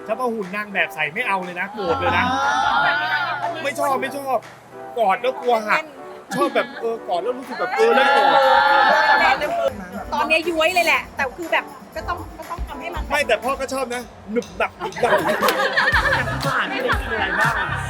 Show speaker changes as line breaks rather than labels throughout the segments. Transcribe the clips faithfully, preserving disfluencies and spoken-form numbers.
ถ้ามาหุ่นนางแบบใส่ไม่เอาเลยนะโกรธเลยนะไม่ชอบไม่ชอบกอดแล้วกลัวหักชอบแบบเออกอดแล้วรู้สึกแบบเออแล้วกอด
ตอนนี้ย้วยเลยแหละ แต่คือแบบก็ต้องก็ต้องทำให้มัน
ไม่แต่พ่อก็ชอบนะหนึบหนับหนึบหนับ
อาหารที่เป็นกินอะไรบ้าง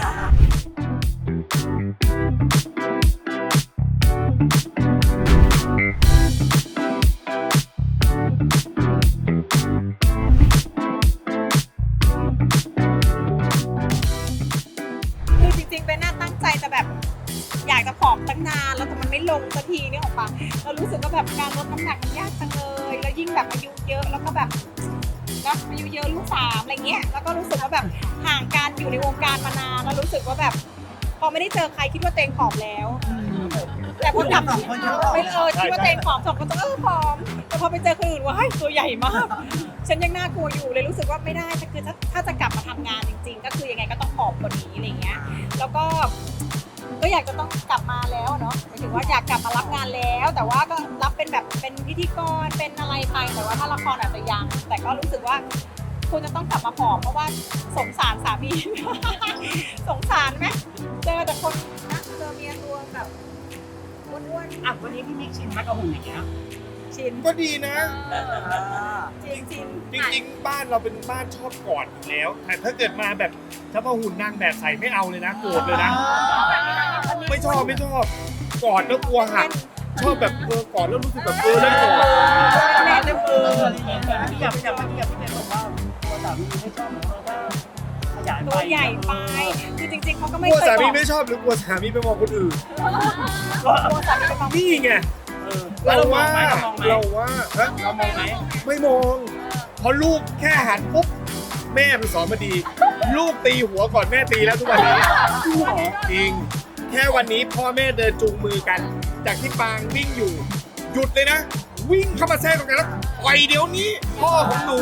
คือจริงๆเป็นน่าตั้งใจจะแบบ อยากจะผอมตั้งนานแล้วแต่มันไม่ลงสักทีนี่ออกปะเรารู้สึกว่าแบบการลดน้ำหนักมันยากจังเลยแล้วยิ่งแบบอายุเยอะแล้วก็แบบนะอายุเยอะลูกสามอะไรเงี้ยแล้วก็รู้สึกว่าแบบห่างการอยู่ในวงการมานานแล้วรู้สึกว่าแบบพอไม่ได้เจอใครคิดว่าตัวเองผอมแล้ว แต่พอกลับไปเออคิดว่าตัวเองผอมสองคนต้องเออผอมแต่พอไปเจอคนอื่นว่าให้ตัวใหญ่มาก ฉันยังน่ากลัวอยู่เลยรู้สึกว่าไม่ได้แต่คือถ้าถ้าจะกลับมาทำงานจริง ๆ ก็คือยังไงก็ต้องผอมกว่านี้อะไรเงี้ยแล้วก็ก็อยากจะต้องกลับมาแล้วเนาะหมายถึงว่าอยากกลับมารับงานแล้ว แต่ว่าก็รับเป็นแบบเป็นพิธีกรเป็นอะไรไปแต่ว่าถ้าละครอาจจะยังแต่ก็รู้สึกว่าควรจะต้องกลับมาผอมเพราะว่าสงสารสามี สงสารไหมเจอแต่คนนะเจอเมียตัวแบบอ้วนๆ
อ่ะวันนี้พี่มิกชิมไหมกับหุ่นอย่างเงี้ย
ชิน
ก็ดีนะ
จริงจริง
จริงๆบ้านเราเป็นบ้านชอบกอดอยู่แล้วแต่ถ้าเกิดมาแบบถ้ามาหุ่นนางแบบใส่ไม่เอาเลยนะโกรธเลยนะไม่ชอบไม่ชอบกอดแล้วกลัวหักชอบแบบเออกอดแล้วรู้สึกแบบเออแล้วกอด
แม่เริ่มเออ
พี่อยากอยากพี่อยากพี่เป็นบอกว่าตัวสามีไม่ชอบเพราะว่าขยายไป
ตัวใหญ่ไปคือจริงๆเขาก็
ก
ไม่
ลัว
เคย
สา
บ
มี
อก
ไม่ชอบหรือกลัวสามีไปมองคนอื่น
กลัวสามีไปมอง
นี่ไง
เออ
เราว่า
เรามองไหม
เราว่าฮะ
เรามองไหม
ไม่มองเพราะลูกแค่หันปุ๊บแม่มันสอนมาดี ลูกตีหัวก่อนแม่ตีแล้วทุกวันนี้จริงแค่วันนี้พ่อแม่เดินจูงมือกัน จากที่ปางวิ่งอยู่ หยุดเลยนะ วิ่งเข้ามาแทรกตรงนั้นแล้วปล่อยเดี๋ยวนี้ พ่อของหนู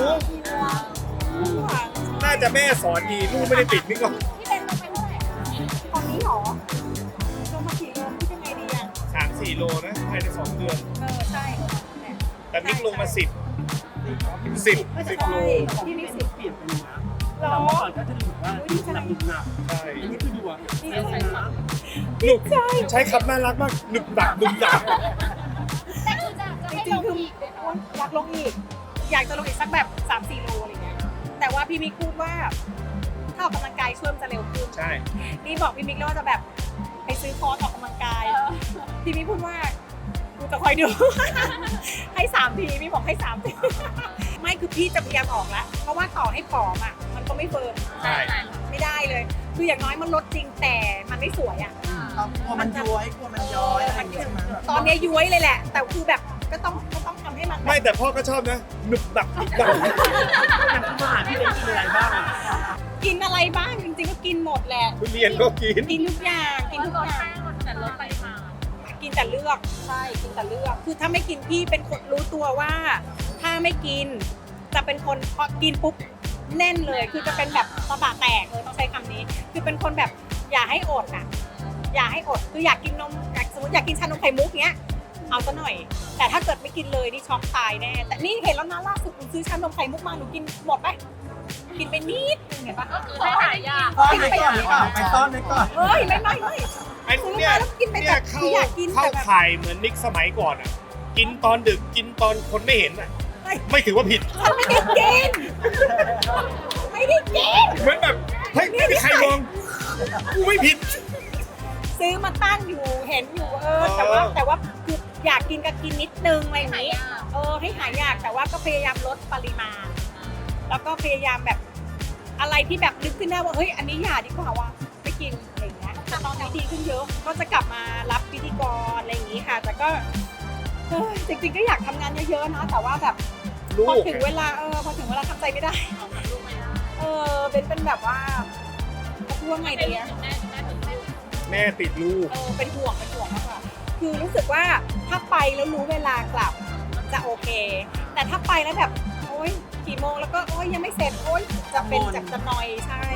น่าจะแม่สอนดีลูกไม่ได้ติดนี่ก็
พี่เป็นลงไปเท่าไหร่ตอนนี้หรอลงมากี่โลพี่เป็นไงดีอ่ะ
สามสี่โลนะภายในสองเดือน
เออใช่
แต่มิกลงมาสิบสิบสิบโล
พี่มีสิบ
เปลี่ยนไปเลยนะแต่เมื่อก่อนก็จะดูแบบว่าหนักหนุกหนัก
ใช่
อันนี้คือดูอ่ะ
ดี
ใช่
ใจ
ไหม
หนุกใช้คำน่ารักมากหนึบหนักหนึบหนัก
จริงๆคืออยากลงอีก อยากจะลงอีกสักแบบสามสี่โลอะไรเงี้ยแต่ว่าพี่มิกพูดว่าถ้าออกกำลังกายช่วยมันจะเร็วขึ้น
ใช่
นี่บอกพี่มิกแล้วว่าจะแบบไปซื้อคอร์สออกกำลังกาย พี่มิกพูดว่ากูจะคอยดู ให้สามทีพี่บอกให้สามที ไม่คือพี่จะพยายามออกแล้ว เพราะว่าต่อให้ผอมอ่ะ มันก็ไม่เฟิร์ม
ใช่
ไม่ได้เลย คืออย่างน้อยมันลดจริงแต่มันไม่สวยอ่ะ
กลัวมันย้อยกลัวมันย้อยอะไรอย่างเงี้ยใช่ไหม
ตอนนี้ย้วยเลยแหละ แต่คือแบบก็ต้องก็ต้องทำให้มันแบบ
ไม่แต่พ่อก็ชอบนะหนึบหนับหนึบหนับ
อาหารที่เป็นกินอะไรบ้าง
กินอะไรบ้างจริงๆก็กินหมดแหละ
ทุเรียนก็กิน
กินทุกอย่างกินทุกอย่างแต่ลดปริมาณกินแต่เลือกใช่กินแต่เลือกคือถ้าไม่กินพี่เป็นคนรู้ตัวว่า ถ้าไม่กินจะเป็นคนพอกินปุ๊บแน่นเลย คือจะเป็นแบบตะบะแตกเลยต้องใช้คำนี้ คือเป็นคนแบบอย่าให้อดอ่ะอย่าให้อดคืออยากกินนมอยากสมมติอยากกินชานมไข่มุกเนี้ยเอาซะหน่อย แต่ถ้าเกิดไม่กินเลยนี่ช็อกตายแน่แต่นี่เห็นแล้วนะล่าสุดหนูซื้อชานมไข่มุกมาหนูกินหมดไปกินไปนิดนึงเห็นปะ
ให้หายาก
ซ่อนไว้ก่อนหรือเปล่าไปซ่อนไว้ก่อน
เฮ้ยไม่ไม่ไม่
ไอ้
ซื้อ
เนี่ย
มาแล้วกินไป
เนี่
แบ
ย
บ
เข้า
คืออยากกิน
เข้า
แต่แบบ
ข่ายเหมือนนิกสมัยก่อนอ่ะ กินตอนดึกกินตอนคนไม่เห็นอ่ะ ไม่ถือว่าผิด
ฉันไม่ได้กินไม่ได้กิน
เหมือนแบบเฮ้ยไม่มีใครมองกูไม่ผิด
ซื้อมาตั้งอยู่เห็นอยู่เออ
เออ
แต่ว่าแต่ว่าคืออยากกินก็กินนิดนึงอะไรอย่างนี้เออให้หายอยากแต่ว่าก็พยายามลดปริมาณ แล้วก็พยายามแบบอะไรที่แบบนึกขึ้นได้ว่าเฮ้ยอันนี้อย่าดีกว่าว่ะไม่กินอะไรอย่างเงี้ยแต่ตอนนี้ดีขึ้นเยอะก็จะกลับมารับพิธีกรอะไรอย่างนี้ค่ะ แต่ก็เฮ้ยจริงๆก็อยากทำงานเยอะๆนะแต่ว่าแบบ
ลู
พอก ถึงเวลาเออพอถึงเวลาทำใจไม่ได้ เออเป็นเป็นแบบว่าจะพูดว่าไงดีอะ
แม่ติดลูก
เออเป็นห่วงเป็นห่วงมากกว่าคือรู้สึกว่าถ้าไปแล้วรู้เวลากลับจะโอเค แต่ถ้าไปแล้วแบบโอ๊ยกี่โมงแล้วก็โอ๊ยยังไม่เสร็จโอ๊ยจะเป็นจับจะนอยใช่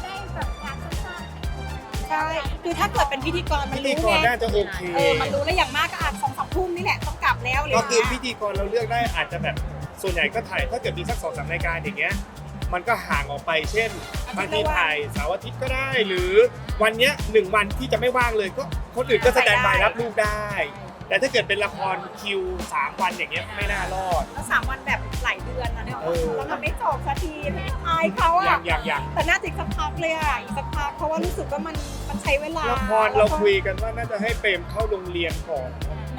ใช่คือถ้าเกิดเป็นพิธีกรมั
พิ
น
ธี
รู้
กร
ไง
น่าจะโอเค
เออมันรู้แล้วอย่างมากก็อาจสองสามทุ่มนี่แหละต้องกลับแล้วเลย
ก็คือ
นะ
พิธีกรเราเลือกได้อาจจะแบบส่วนใหญ่ก็ถ่ายถ้าเกิดมีสักสองสามรายการอย่างเงี้ยมันก็ห่างออกไปเช่นบางทีถ่ายเสาร์อาทิตย์ก็ได้ หรือวันเนี้ยหนึ่งวันที่จะไม่ว่างเลยก็คนอื่นก็แสดงบายรับลูกได้ แต่ถ้าเกิดเป็นละครคิวสามวันอย่างเงี้ยไม่น่ารอด
แล้วสามวันแบบหลายเดือนนะเนี่ย
เออ
แล้วมันไม่จบสักทีอายเขา
อย่า
อะ
งอย่างอย่าง
แต่น่าจะอีกสักพักเลยอะอีกสักพักเพราะว่ารู้สึกว่ามันมันใช้เวลา
ละครเราคุยกันว่าน่าจะให้เปรมเข้าโรงเรียนก่อน